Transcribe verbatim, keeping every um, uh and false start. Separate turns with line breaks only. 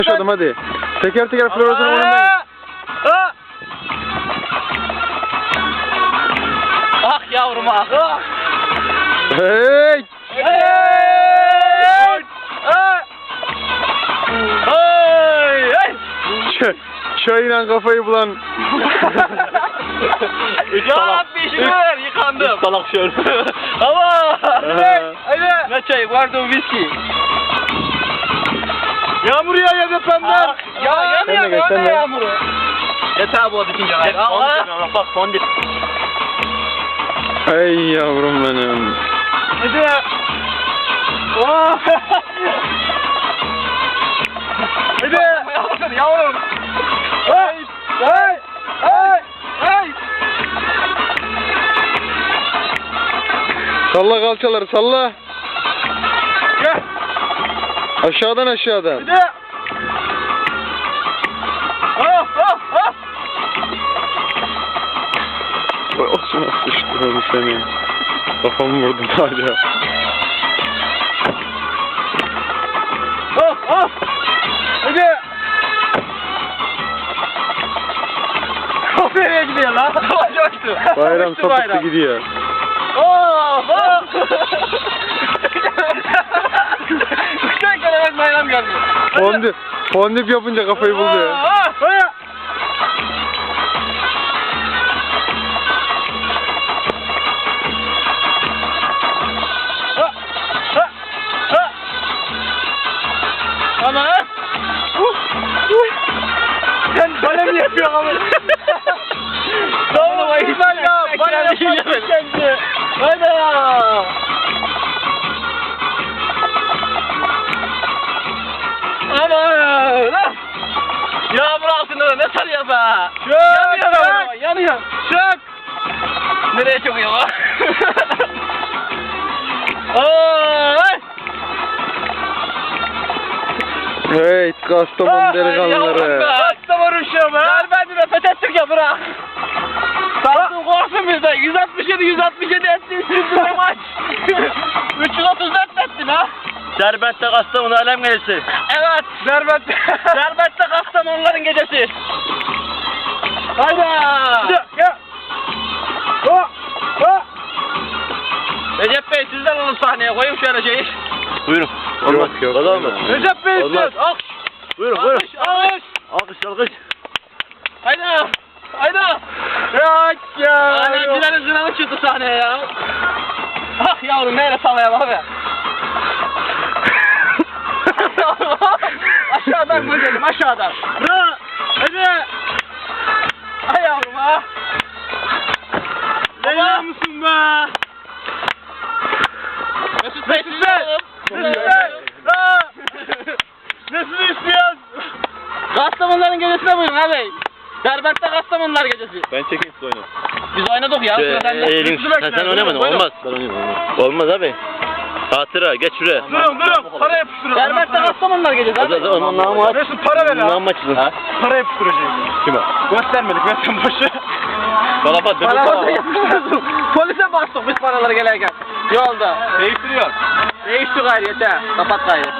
Başladım hadi. Teker teker floresan oynayın.
Ah yavrum ah. Ah.
Hey!
Hey! Hey! Hey!
Ç çayla kafayı bulan.
Ya bir işim var yıkandım. Salak şöyle. Ama. Hadi. Hadi. Ne çayı vardı o viski.
Yağmur yağıyor depremden.
Ya yanıyor
Sen de geç, sen
ya
de.
yağmuru. Yeter bu bitince. Allah. Bak fondip.
Ey yavrum benim.
Hadi. Oh. Hadi. Yavrum. Hey. Hey. Hey. Hey.
Salla kalçaları salla.
Gel.
Aşağıdan aşağıdan.
Hadi. Oh oh oh.
Vay olsun sıçtıralım seni. Kafamı vurdum hala.
Oh oh. Hadi. Nereye gidiyor lan? Coştu.
Bayram
Coştu
sapıttı
bayram.
gidiyor.
Oh oh. Üçten kere bayram geldi.
Fondip, fondip yapınca kafayı buldu ya.
Ah, ah. Ana! Uh! Uh! Sen bana mı yapıyorsun ama? Tamam, İsmail ya, bana yapıyorsun kendi. Hadi! Aman! Yağmur altında da ne sarıyor be? Yanıyor be, yanıyor. Çök! Nereye çöküyor lan? Ay!
Hey Kastamonu delikanlıları.
Kastamonu uşağı be. Ver beni de fethettik ya bırak. Sattın korksun bizden. yüz altmış yedi yüz altmış yedi ettin şimdi ne maç. üç yüz otuz dört ettin ha.
Derbent'te Kastamonu alem gecesi.
Evet. Derbent'te. Derbent'te Kastamonuların gecesi. Hayda. Gel. Oh. Oh. Recep Bey sizden alın sahneye koyayım şöyle şeyi.
Buyurun.
Yok yok.
Valla olmaz.
Recep Bey
Olmaz.
siz. Alkış.
Buyurun buyurun.
Alkış. Alkış.
Alkış alkış.
Hayda. Hayda.
Ya ya.
Annemcilerin zıranı çıktı sahneye ya. Ah yavrum neyle sallayalım abi. Aşağıdan koyalım aşağıdan. Bırak. Hadi. Ay yavrum ha. Leyla mısın be? Mesut Bey. Mesut Bey. Mesut Bey. Nesini istiyorsun? Kastamonuların gecesine buyurun abi. Derbent'te Kastamonular gecesi.
Ben çekeyim siz oynayın.
Biz oynadık ya. Sıra sende.
Elin, sen, sen oynamadın olmaz. Ben oynayayım olmaz. Olmaz abi. Hatıra geç şuraya.
Durun durun. Para yapıştırın. Derbent'te Kastamonular gecesi
O
abi.
da onun namı aç.
Mesut para ver ha.
Namı açılın. Ha?
Para yapıştıracağız.
Kime?
Göstermedik ver sen boşu.
Kalapat dönüp
Para
para.
yapıştırıyorsun. Polise bastık biz paraları gelirken. Yolda.
Değiştiriyor.
Değişti gayrı yeter. Kapat gayrı.